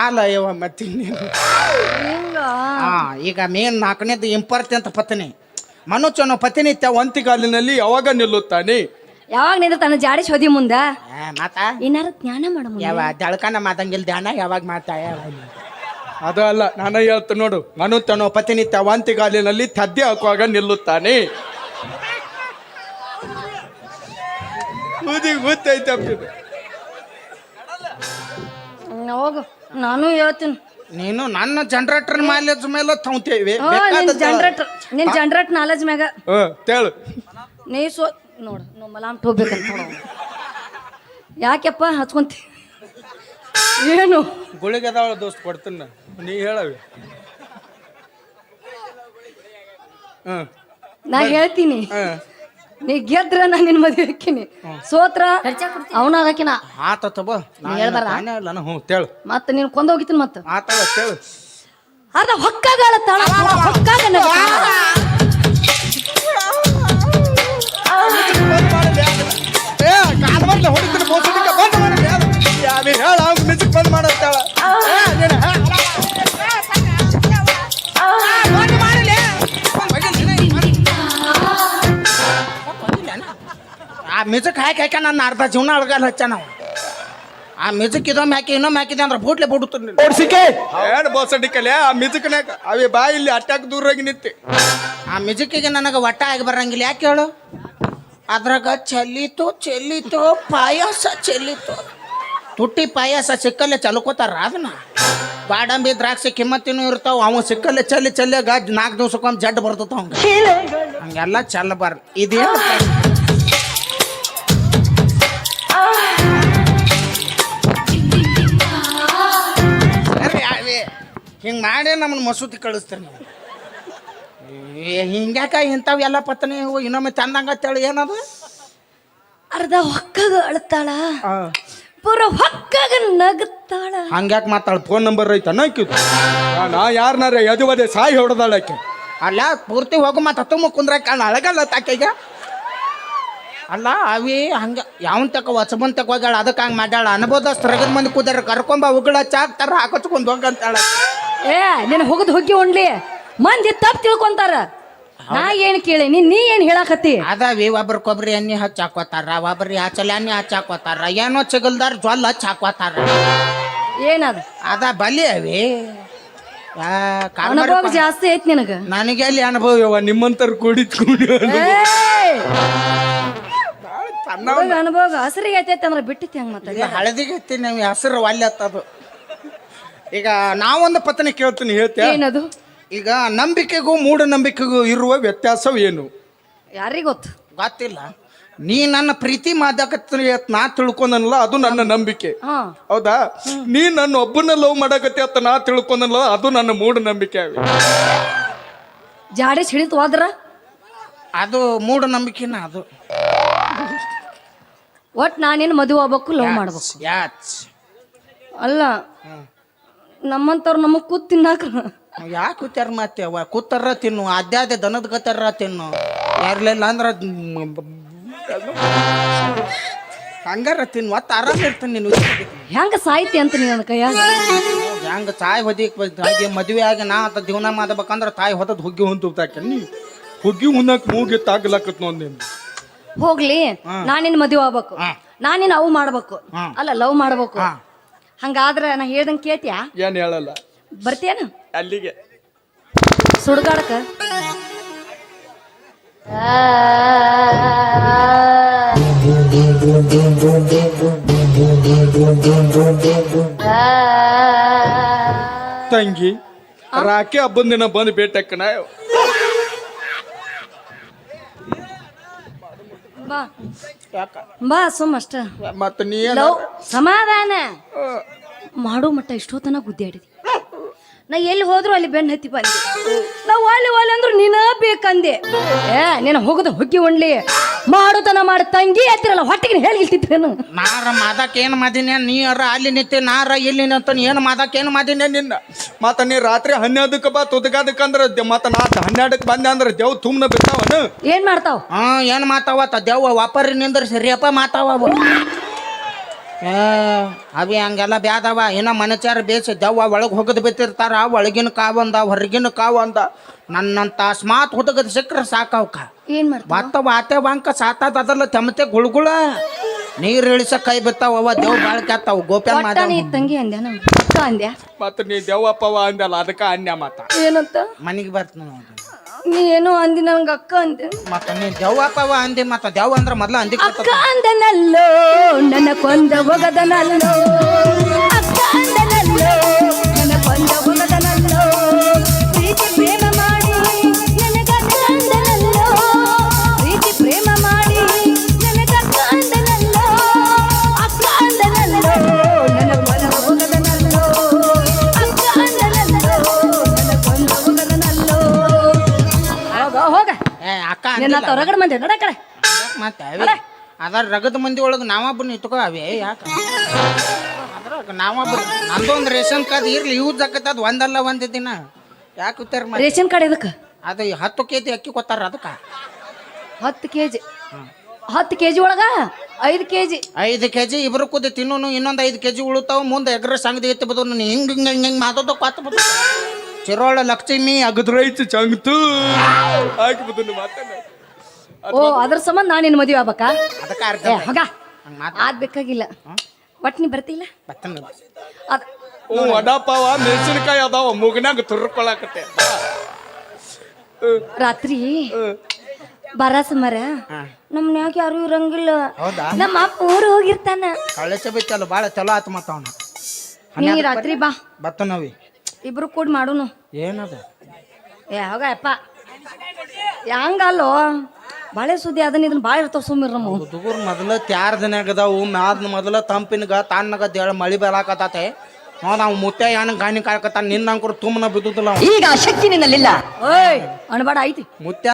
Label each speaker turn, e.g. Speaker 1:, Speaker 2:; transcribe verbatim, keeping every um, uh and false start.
Speaker 1: ಸಾಲ ಯವ ಮತ್ತೆ ಹಾ ಈಗ ಮೇನ್ ನಾಲ್ಕನೇದು ಇಂಪಾರ್ಟೆಂಟ್ ಪತ್ನಿ ಮನುಷ್ಯನ ಪತಿನಿತ್ಯ ಒಂತಿಗಾಲಿನಲ್ಲಿ ಯಾವಾಗ ನಿಲ್ಲುತ್ತಾನೆ
Speaker 2: ಯಾವಾಗ ನಿಂದ ತನ್ನ ಜಾಡಿ ಶೋಧಿ ಮುಂದ
Speaker 1: ಮಾತಾ
Speaker 2: ಏನಾರ ಜ್ಞಾನ ಮಾಡ
Speaker 1: ಯಾವ ದಳ್ಕನ ಮಾತಂಗಿಲ್ ಧ್ಯಾನ ಯಾವಾಗ ಮಾತಾಯ ಅದು ಅಲ್ಲ ನಾನು ಹೇಳ್ತ ನೋಡು ಮನುಷ್ಯನ ಪತಿನಿತ್ಯ ಒಂತಿಗಾಲಿನಲ್ಲಿ ತದ್ದೆ ಹಾಕುವಾಗ ನಿಲ್ಲುತ್ತಾನೆ ಗೊತ್ತೈತೆ
Speaker 2: ಹೋಗು ನಾನು ಹೇಳ್ತೀನಿ
Speaker 1: ನೀನು ನನ್ನ ಜನರೇಟರ್ ಮೈಲೇಜ್ ಮೇಲೆ ತಗೊಂತೇವೆ
Speaker 2: ಜನರೇಟರ್ ನಿನ್ ಜನರೇಟ್ ನಾಲೆಜ್ ಮ್ಯಾಗ
Speaker 1: ತೇಳು
Speaker 2: ನೀ ಸೋ ನೋಡು ನಾವು ಮಲಾಮ್ ಹೋಗ್ಬೇಕಂತ ನೋಡು ಯಾಕೆಪ್ಪ ಹಚ್ಕೊಂತಿ ಏನು
Speaker 1: ಗುಳಿಗೆ ಅದಾವ ದೋಸ್ತ್ ಕೊಡ್ತೀನಿ ನೀ ಹೇಳವಿ
Speaker 2: ನಾ ಹೇಳ್ತೀನಿ ನೀ ಗೆದ್ರ ನಾ ನಿನ್ ಮದ್ವೆ ಹಾಕಿನಿ ಸೋತ್ರ ಅವನ ಹಾಕಿನ
Speaker 1: ಆತ ತಗೋ ನಾನು ಹ್ಞೂ ತೇಳು
Speaker 2: ಮತ್ತ ನೀನ್ ಕೊಂದ ಹೋಗಿತೀನಿ ಮತ್ತ
Speaker 1: ಆತ ತೇಳು
Speaker 2: ಅದ ಹೊಕ್ಕಾಗಳ ತಾಳ ಹೊಕ್ಕಾಗ
Speaker 1: ಹೊಡಿತೀನಿ ಬೋಸಡಿಕ ಬಂದ್ ಮಾಡಿ ಹೇಳ ಮ್ಯೂಸಿಕ್ ಬಂದ್ ಮಾಡತ್ತಾಳ ಆ ಮ್ಯೂಸಿಕ್ ಹಾಕಿ ಹಾಕಿ ನನ್ನ ಅರ್ಧ ಜೀವನ ಅಳಗಲ್ಲ ಹಚ್ಚ ನಾವು ಆ ಮ್ಯೂಸಿಕ್ ಇದೊಮ್ಮೆ ಹಾಕಿ ಇನ್ನೊಮ್ಮೆ ಹಾಕಿದೆ ಅಂದ್ರೆ ಬೂಟ್ಲೆ ಬಿಡುತ್ತೀನಿ ಓಡಿಸಿಕೆ ಏನು ಬೋಸಡಿಕಲೆ ಆ ಮ್ಯೂಸಿಕ್ನಾಗ ಅವೇ ಬಾ ಇಲ್ಲಿ ಅಟ್ಟಾಕ್ ದೂರಾಗಿ ನಿಂತೆ ಆ ಮ್ಯೂಸಿಕ್ಕಿಗೆ ನನಗೆ ಒಟ್ಟ ಆಗಿ ಬರಂಗಿಲ್ಲ ಯಾಕೆ ಹೇಳು ಅದ್ರಾಗ ಚೆಲ್ಲಿತು ಚೆಲ್ಲಿತು ಪಾಯಸ ಚೆಲ್ಲಿತು ತುಟ್ಟಿ ಪಾಯಸ ಸಿಕ್ಕಲ್ಲೇ ಚಲ್ಕೋತಾರ ಅದನ್ನ ಬಾಡಂಬಿ ದ್ರಾಕ್ಷಿ ಕಿಮ್ಮತ್ತಿನೂ ಇರ್ತಾವ ಅವ ಸಿಕ್ಕಲ್ಲೇ ಚಲ್ಲಿ ಚಲ್ಲಾಗ ನಾಲ್ಕು ದಿವ್ಸಕ್ಕೊಮ್ಮೆ ಜಡ್ ಬರ್ತದ ಅವಂಗ ಹಂಗೆಲ್ಲ ಚಲ್ಲಬಾರ್ದು ಇದೇನು ಹಿಂಗೆ ಮಾಡಿ ನಮ್ಮನ್ನ ಮಸೂತಿ ಕಳಿಸ್ತಾರೆ ನೀವು ಹಿಂಗ್ಯಾಕ ಇಂಥವು ಎಲ್ಲ ಪತ್ನಿ ಇನ್ನೊಮ್ಮೆ ಚಂದಂಗತ್ತೇಳಿ ಏನದು
Speaker 2: ಅರ್ಧ ಹೊಕ್ಕಾಗ ಅಳ್ತಾಳ ಪೂರ ಹೊಕ್ಕಾಗ ನಗುತ್ತಾಳ
Speaker 1: ಹಂಗ್ಯಾಕೆ ಮಾತಾಳ ಫೋನ್ ನಂಬರ್ ಐತ ನಾಕಿತ್ತು ನಾ ಯಾರನಾರ ಎದುವದೆ ಸಾಯಿ ಹೊಡೆದಾಳಕ್ಕೆ ಅಲ್ಲ ಪೂರ್ತಿ ಹೋಗು ಮತ್ತೆ ತುಂಬ ಕುಂದ್ರಾಕ ಕಾಣ ಅಳಗಲ್ಲ ತಾಕೆಗ ಅಲ್ಲ ಅವಿ ಹಂಗೆ ಯಾವನ್ ತಕ ಹೊಸಬನ್ ತಕ ಹೋಗ್ಯಾಳ ಅದಕ್ಕೆ ಹಂಗೆ ಮಾಡ್ಯಾಳ ಅನ್ಬೋದಷ್ಟು ರಗದ ಮಂದಿ ಕೂದಾರ ಕರ್ಕೊಂಬ ಉಗುಳ ಚಾಕ್ತಾರ ಹಾಕೊಚ್ಕೊಂಡು ಹೋಗಂತಾಳ
Speaker 2: ಏ ನೀನು ಹೋಗದ್ ಹೋಗಿ ಉಣ್ಲಿ ಮಂದಿ ತಪ್ಪು ತಿಳ್ಕೊಂತಾರ ನಾ ಏನ್ ಕೇಳೀನಿ ನೀ ಏನ್ ಹೇಳಾಕತ್ತಿ
Speaker 1: ಅದಾವಿ ಒಬ್ರು ಕೊಬ್ಬರಿ ಎಣ್ಣೆ ಹಚ್ಚಿ ಹಾಕೋತಾರ ಒಬ್ರಿ ಹಚ್ಚಲ ಎಣ್ಣೆ ಹಚ್ಚಿ ಹಾಕೋತಾರ ಏನೋ ಚಿಗಲ್ದಾರ ಜ್ವಲ್ ಹಚ್ಚಿ ಹಾಕೋತಾರ
Speaker 2: ಏನದ
Speaker 1: ಅದ ಬಲಿ ಅವಿ
Speaker 2: ಅನುಭವ ಜಾಸ್ತಿ ಐತಿ ನಿನಗ
Speaker 1: ನನಗೆ ಅಲ್ಲಿ ಅನುಭವ ನಿಮ್ಮಂತರ ಕೂಡಿದ್ಕೊಂಡು
Speaker 2: ಅನುಭವ ಹಸರಿಗೆ ಐತೈತಿ ಅಂದ್ರೆ ಬಿಟ್ಟಿತಿ ಹಂಗ ಮತ್ತೆ
Speaker 1: ಹಳದಿಗೆ ಐತಿ ನೀವು ಹೆಸರು ಒಲ್ಲೆ ಹತ್ತದು ಈಗ ನಾವೊಂದು ಪತ್ನಿ ಕೇಳ್ತೀನಿ ಹೇಳ್ತೇನೆ
Speaker 2: ಏನದು
Speaker 1: ಈಗ ನಂಬಿಕೆಗೂ ಮೂಢನಂಬಿಕೆಗೂ ಇರುವ ವ್ಯತ್ಯಾಸವೇನು
Speaker 2: ಯಾರಿಗ ಗೊತ್ತು
Speaker 1: ಗೊತ್ತಿಲ್ಲ ನೀ ನನ್ನ ಪ್ರೀತಿ ಮಾದಾಕತ್ತಿ ನಾ ತಿಳ್ಕೊಂಡನಲ್ಲ ಅದು ನನ್ನ ನಂಬಿಕೆ ಹೌದಾ ನೀ ನನ್ನ ಒಬ್ಬನ ಲವ್ ಮಾಡಕತ್ತಿ ಅಂತ ನಾ ತಿಳ್ಕೊಂಡನಲ್ಲ ಅದು ನನ್ನ ಮೂಢನಂಬಿಕೆ ಅವಿ
Speaker 2: ಜಾಡಿ ಸಿಡಿತು ಹೋದ್ರ
Speaker 1: ಅದು ಮೂಢನಂಬಿಕೆನ ಅದು
Speaker 2: ಒಟ್ ನಾನೇನು ಮದುವೆ ಆಗ್ಬೇಕು ಲವ್ ಮಾಡ್ಬೇಕು
Speaker 1: ಯಾಚ್
Speaker 2: ಅಲ್ಲ ನಮ್ಮಂತವ್ರು ನಮಗ್ ಕೂತ್ ತಿನ್ನಾಕ
Speaker 1: ಯಾಕೆ ಕೂತಾರ ಮತ್ತೆ ಅವ ಕೂತಾರ ತಿನ್ನು ಅದ್ಯಾದೆ ದನದ ಗತ್ತಾರ ತಿನ್ನು ಯಾರ್ಲಿಲ್ಲ ಅಂದ್ರ ಹಂಗಾರ ತಿನ್ನು ಒತ್ತ ಆರಾಮ ಇರ್ತಾನೆ ನೀನು
Speaker 2: ಹೆಂಗ ಸಾಯ್ತಿ ಅಂತ ನೀನು ನನ್ನ ಕೈಯಾಗ
Speaker 1: ಹೆಂಗ ತಾಯಿ ಹೊದಿಕ್ ಹಾಗೆ ಮದುವೆ ಆಗಿ ನಾ ಅಂತ ಜೀವನ ಮಾಡ್ಬೇಕಂದ್ರ ತಾಯಿ ಹೊತ್ತದ್ ಹುಗ್ಗಿ ಹೊಂತಾಕೆ ನೀ ಹುಗ್ಗಿ ಹುನ್ನಕ್ ಮೂಗಿ ತಾಗ್ಲಾಕತ್ ನೋಂದೇನು
Speaker 2: ಹೋಗ್ಲಿ ನಾನಿನ್ ಮದುವೆ ಆಗ್ಬೇಕು ನಾನಿನ್ ಅವು ಮಾಡ್ಬೇಕು ಅಲ್ಲ ಲವ್ ಮಾಡ್ಬೇಕು ಹಂಗಾದ್ರ ನಾ ಹೇಳ್ದಂಗ ಕೇಳ್ತೀಯ
Speaker 1: ಏನ್ ಹೇಳಲ್ಲ
Speaker 2: ಬರ್ತೀಯನ
Speaker 1: ಅಲ್ಲಿಗೆ
Speaker 2: ಸುಡ್ಗಾಡಕ
Speaker 1: ತಂಗಿ ರಾಖಿ ಹಬ್ಬದ ದಿನ ಬಂದು ಭೇಟಕ್ಕನ
Speaker 2: ಬಾ ಬಾ ಸುಮ್ಮ ಅಷ್ಟ
Speaker 1: ಮತ್ತ ನೀ
Speaker 2: ಸಮಾಧಾನ ಮಾಡೋ ಮಟ್ಟ ಇಷ್ಟೊತ್ತನ ಗುದ್ದಾಡಿದಿ ನಾ ಎಲ್ಲಿ ಹೋದ್ರು ಅಲ್ಲಿ ಬೆನ್ನ ಹತ್ತಿ ಬಂದೆ ನಾವು ಒಳ್ಳೆ ಒಳ್ಳೆ ಅಂದ್ರು ನೀನ ಬೇಕಂದೆ ಏ ನೀನು ಹೋಗದ ಹುಗ್ಗಿ ಉಣ್ಲಿ ಮಾಡುತನ ಮಾಡಿ ತಂಗಿ ಹತ್ತಿರಲ್ಲ ಹೊಟ್ಟಿಗೆ ಹೇಳಿಲ್ತಿದ್ದೇನು
Speaker 1: ನಾರ ಮಾದಕ್ ಏನು ಮಾದಿನ ನೀರ ಅಲ್ಲಿ ನಿಂತೆ ನಾರ ಇಲ್ಲಿ ನಿಂತ ಏನು ಮಾದಕ್ ಏನು ಮಾದಿನ ನಿನ್ನ ಮತ್ತ ನೀ ರಾತ್ರಿ ಹನ್ನೆರಡಕ್ಕೆ ಬಾ ತುದಗಾದಕ್ಕಂದ್ರ ಮತ್ತ ನಾ ಹನ್ನೆರಡಕ್ಕೆ ಬಂದೆ ಅಂದ್ರೆ ದೇವ್ ತುಂಬನ ಬಿದ್ದಾವನು
Speaker 2: ಏನ್ ಮಾಡ್ತಾವ
Speaker 1: ಹಾ ಏನ್ ಮಾತಾವ ದೇವ್ ವಾಪರಿ ನಿಂದ್ರ ಸರಿಯಪ್ಪ ಮಾತಾವ ಏ ಅವಿ ಹಂಗೆಲ್ಲ ಬ್ಯಾದವ ಇನ್ನ ಮನಚಾರ ಬೇಸ ದವ್ವ ಒಳಗೆ ಹೋಗದ್ ಬಿತ್ತಿರ್ತಾರ ಒಳಗಿನ ಕಾವಂದ ಹೊರಗಿನ ಕಾವಂದ ನನ್ನಂತ ಸ್ಮಾತ್ ಹುಡುಗದ ಸಿಕ್ಕ್ರ ಸಾಕವ್ಕ
Speaker 2: ಏನ್ ಮಾಡ್ತಾವ
Speaker 1: ಮತ್ತ ವಾತೆ ವಾಂಕ ಸಾತಾದ ಅದಲ್ಲ ತೆಮತೆ ಗುಳುಗುಳ ನೀರ್ ಇಳಿಸ ಕೈ ಬಿತ್ತಾವ ಅವ ದೇವ್ ಬಾಳ್ಕೆ ಆತಾವ ಗೋಪ್ಯಾನ್
Speaker 2: ಒಟ್ಟ
Speaker 1: ಮಾದ
Speaker 2: ನೀ ತಂಗಿ ಅಂದ್ಯ ನಾವು ಅಕ್ಕ ಅಂದ್ಯ
Speaker 3: ಮತ್ತ ನೀ ದೆವ್ವಪ್ಪವ ಅಂದಲ್ಲ ಅದಕ್ಕ ಅನ್ಯ ಮಾತ
Speaker 2: ಏನಂತ
Speaker 1: ಮನಿಗೆ ಬರ್ತೀನಿ
Speaker 2: ನೀ ಏನೋ ಅಂದಿ ನಂಗೆ ಅಕ್ಕ ಅಂದೆ
Speaker 1: ಮತ್ತ ನೀ ದೆವ್ವಪ್ಪವ ಅಂದಿ ಮತ್ತ ದೆವ್ವ ಅಂದ್ರ ಮೊದ್ಲ ಅಂದಿ
Speaker 2: ಅಕ್ಕ ಅಂದನಲ್ಲೋ ನನ್ನ ಕೊಂದ ಒಗದನಲ್ಲೋ ಅಕ್ಕ ಅಂದನಲ್ಲೋ ನನ್ನ ಕೊಂದ ಒಗದನಲ್ಲೋ ಪ್ರೀತಿ ಪ್ರೇಮ ಮಾಡಿ ನನಗಕ್ಕ ಅಂದನಲ್ಲೋ ಪ್ರೀತಿ ಪ್ರೇಮ ಮಾಡಿ ನನಗಕ್ಕ ಅಂದನಲ್ಲೋ ಅಕ್ಕ ಅಂದನಲ್ಲೋ ನನ್ನ ಕೊಂದ ಒಗದನಲ್ಲೋ ಅಕ್ಕ ಅಂದನಲ್ಲೋ ನನ್ನ ಕೊಂದ ಒಗದನಲ್ಲೋ ಹೋಗ ಹೋಗ
Speaker 1: ಏ ಅಕ್ಕ
Speaker 2: ನಿನ್ನ
Speaker 1: ಅಂದಿಲ್ಲ.
Speaker 2: ಹೊರಗಡೆ ಮಂದಿ ನಡ ಕಡೆ
Speaker 1: ಮತ್ತೆ ಅವಿ ಅದ್ರ ರಗದ ಮಂದಿ ಒಳಗೆ ನಾವೊಬ್ಬನ ಇಟ್ಕೋ ಅವಿ ಯಾಕ ಅದ್ರಾಗ ನಾವೊಬ್ಬರು ನಂದೊಂದು ರೇಷನ್ ಕಾರ್ಡ್ ಇರ್ಲಿ ಯೂಸ್ ಆಕತ್ತದ ಒಂದಲ್ಲ ಒಂದ್ ದಿನ ಯಾಕೆ ಉತ್ತಾರ ಮಾಡಿ
Speaker 2: ರೇಷನ್ ಕಾರ್ಡ್ ಇದಕ್ಕೆ
Speaker 1: ಅದು ಹತ್ತು ಕೆ ಜಿ ಅಕ್ಕಿ ಕೊತ್ತಾರ ಅದಕ್ಕೆ
Speaker 2: ಹತ್ತು ಕೆ ಜಿ ಹತ್ತು ಕೆ ಜಿ ಒಳಗ ಐದು ಕೆ ಜಿ
Speaker 1: ಐದು ಕೆ ಜಿ ಇಬ್ರು ಕೂದಿ ತಿನ್ನೋನು ಇನ್ನೊಂದು ಐದು ಕೆ ಜಿ ಉಳುತ್ತಾವ ಮುಂದೆ ಎಗ್ರ ಸಂಗದಿ ಎತ್ತಿ ಬದು ಹಿಂಗೆ ಹಿಂಗೆ ಹಿಂಗೆ ಹಿಂಗೆ ಮಾತಾಡೋ ಕೊತ್ತ ಬದು ಚಿರೋಳ ಲಕ್ಷ್ಮಿ
Speaker 3: ಅಗದ್ರೈತು ಚಂಗ್ತು ಹಾಕಿ ಬದನ್ನು ಮಾತಾಡ
Speaker 2: ಓ ಅದ್ರ ಸಂಬಂಧ ನಾನು ನಿನ್ನ ಮದುವೆ ಆಗ್ಬೇಕಾ
Speaker 1: ಅದಕ್ಕೆ ಅರ್ಥ
Speaker 2: ಏ ಹೋಗ
Speaker 1: ಹಂಗೆ ಮಾತು
Speaker 2: ಆದ್ ಬೇಕಾಗಿಲ್ಲ ಒಟ್ಟು ನೀ ಬರ್ತಿಲ್ಲ
Speaker 1: ಬತ್ತನ
Speaker 2: ಅದ್
Speaker 3: ಹ್ಞೂ ವಡಾಪಾವ ಮೆಣಸಿನಕಾಯಿ ಅದಾವ ಮುಗನಾಗ ತುರ್ಕೊಳಕತ್ತೆ
Speaker 2: ರಾತ್ರಿ ಬರ ಸಮರ ನಮ್ಮ ಮನ್ಯಾಗ ಯಾರು ಇರಂಗಿಲ್ಲ
Speaker 1: ಹೌದಾ
Speaker 2: ನಮ್ಮ ಅಪ್ಪ ಊರು ಹೋಗಿರ್ತಾನ
Speaker 1: ಕಳಿಸ ಬಿತ್ತಲ್ಲ ಭಾಳ ಚಲೋ ಆತು ಮತ್ತ ಅವನು
Speaker 2: ನೀ ರಾತ್ರಿ ಬಾ
Speaker 1: ಬತ್ತನವಿ
Speaker 2: ಇಬ್ರು ಕೂಡಿ ಮಾಡೋನು
Speaker 1: ಏನದ
Speaker 2: ಏ ಹೋಗ ಅಪ್ಪ ಹಂಗಲ್ಲೋ ಬಾಳೆ ಸುದ್ದಿ ಅದನ್ನ ಇದನ್ನ ಭಾಳ ಇರ್ತಾವ ಸುಮ್ಮಿರ್ ನಮ್ಮ
Speaker 1: ಹುಡುಗರು ಮೊದಲ ತ್ಯಾರ ದಿನಾಗ ಅದಾವು ಮ್ಯಾದ ಮೊದಲ ತಂಪಿನಗ ತಣ್ಣಗ ದೇಳ ಮಳಿ ಬೆಳಕತ್ತೆ ನೋಡ್ ನಾವು ಮುತ್ತೆ ಯಾನ ಗಾಣಿ ಕಾಳಕತ್ತ ನಿನ್ನ ಅಂಕರು ತುಂಬನ ಬಿದ್ದುದಿಲ್ಲ
Speaker 2: ಈಗ ಶಕ್ತಿ ನಿನ್ನಲ್ಲಿಲ್ಲ ಓಯ್ ಅಣಬಾಡ ಐತಿ
Speaker 1: ಮುತ್ಯ